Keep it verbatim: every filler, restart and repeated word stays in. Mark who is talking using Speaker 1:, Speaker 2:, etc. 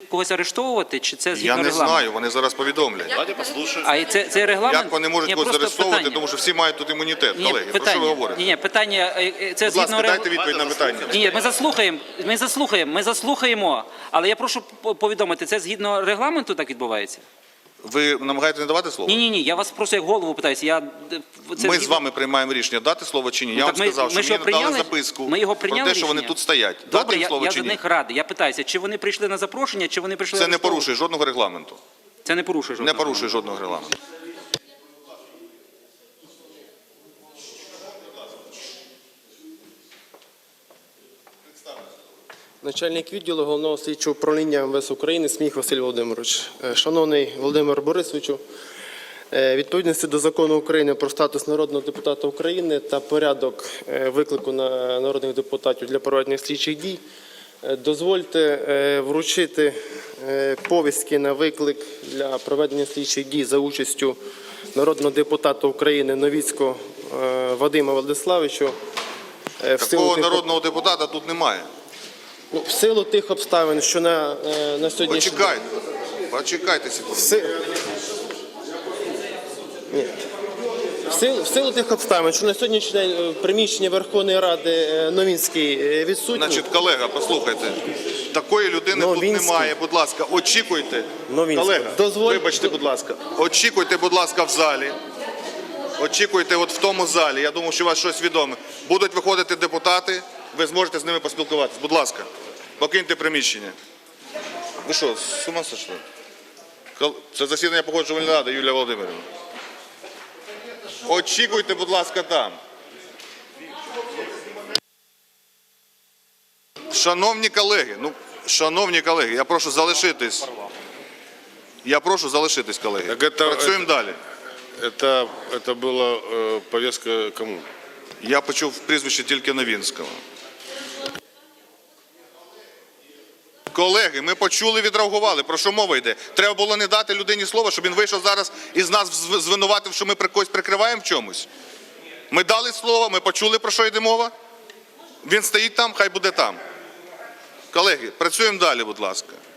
Speaker 1: когось арештовувати, чи це згідно
Speaker 2: Я не
Speaker 1: регламенту?
Speaker 2: знаю, вони зараз повідомлять.
Speaker 3: Давайте послушаем.
Speaker 1: А і це, це регламент?
Speaker 2: Як вони можуть
Speaker 1: Ні,
Speaker 2: когось
Speaker 1: просто
Speaker 2: заарештовувати,
Speaker 1: питання.
Speaker 2: тому що всі мають тут імунітет.
Speaker 1: Ні,
Speaker 2: Колеги, про
Speaker 1: питання.
Speaker 2: що ви говорите?
Speaker 1: Ні, ні, питання, е, е, це
Speaker 2: Будь
Speaker 1: згідно
Speaker 2: ласка, дайте
Speaker 1: регламенту.
Speaker 2: відповідь на питання.
Speaker 1: Ні, ми заслухаємо, ми заслухаємо, ми заслухаємо, але я прошу по- повідомити, це згідно регламенту так відбувається?
Speaker 2: Ви намагаєтесь не давати слово?
Speaker 1: Ні, ні, ні, я вас просто як голову питаюся. Я, це
Speaker 2: Ми
Speaker 1: згідно-
Speaker 2: з вами приймаємо рішення, дати слово чи ні.
Speaker 1: Ну,
Speaker 2: Я
Speaker 1: так
Speaker 2: вам
Speaker 1: ми-
Speaker 2: сказав,
Speaker 1: ми
Speaker 2: що
Speaker 1: ж
Speaker 2: мені
Speaker 1: його
Speaker 2: надали
Speaker 1: прийняли?
Speaker 2: записку
Speaker 1: Ми його
Speaker 2: про
Speaker 1: прийняли
Speaker 2: те, що вони
Speaker 1: рішення?
Speaker 2: тут стоять.
Speaker 1: Добре,
Speaker 2: Дати їм
Speaker 1: я,
Speaker 2: слово
Speaker 1: я
Speaker 2: чи
Speaker 1: за
Speaker 2: ні?
Speaker 1: них радий. Я питаюся, чи вони прийшли на запрошення, чи вони прийшли
Speaker 2: Це не
Speaker 1: арештовувати?
Speaker 2: порушує жодного регламенту.
Speaker 1: Це не порушує
Speaker 2: Не
Speaker 1: жодного.
Speaker 2: порушує жодного регламенту.
Speaker 4: Начальник відділу Головного слідчого управління ем ве ес України Сміх Василь Володимирович. Е, Шановний Володимир Борисовичу, е, відповідності до Закону України про статус народного депутата України та порядок е, виклику на народних депутатів для проведення слідчих дій, е, дозвольте е, вручити е, повістки на виклик для проведення слідчих дій за участю народного депутата України Новіцького е, Вадима Владиславовича. Е, в силу
Speaker 2: Такого
Speaker 4: тих-
Speaker 2: народного депутата тут немає.
Speaker 4: Ну, в силу тих обставин, що на, е, на сьогоднішній
Speaker 2: Почекайте. Почекайте секунду.
Speaker 4: В си- Ні. В силу, в силу тих обставин, що на сьогоднішній день е, в приміщенні Верховної Ради е, Новінський е, відсутній.
Speaker 2: Значить, колега, послухайте. Такої людини тут
Speaker 4: Новінський.
Speaker 2: немає. Будь ласка, очікуйте.
Speaker 4: Новінський.
Speaker 2: Колега,
Speaker 4: Дозволь-
Speaker 2: вибачте, будь ласка. Очікуйте, будь ласка, в залі. Очікуйте от в тому залі. Я думаю, що у вас щось відоме. Будуть виходити депутати, ви зможете з ними поспілкуватися. Будь ласка, покиньте приміщення. Ви що, з ума сошли? Кол- Це засідання погоджувальної ради, Юлія Володимирівна. Очікуйте, будь ласка, там. Шановні колеги, ну, шановні колеги, я прошу залишитись. Я прошу залишитись, колеги.
Speaker 5: Так это-
Speaker 2: Працюємо далі.
Speaker 5: Это, это была э, повестка кому?
Speaker 2: Я почув прізвище тільки Новінського. Колеги, ми почули, відреагували. Про що мова йде? Треба було не дати людині слова, щоб він вийшов зараз і з нас зв- звинуватив, що ми при когось прикриваємо в чомусь. Ми дали слово, ми почули, про що йде мова. Він стоїть там, хай буде там. Колеги, працюємо далі, будь ласка.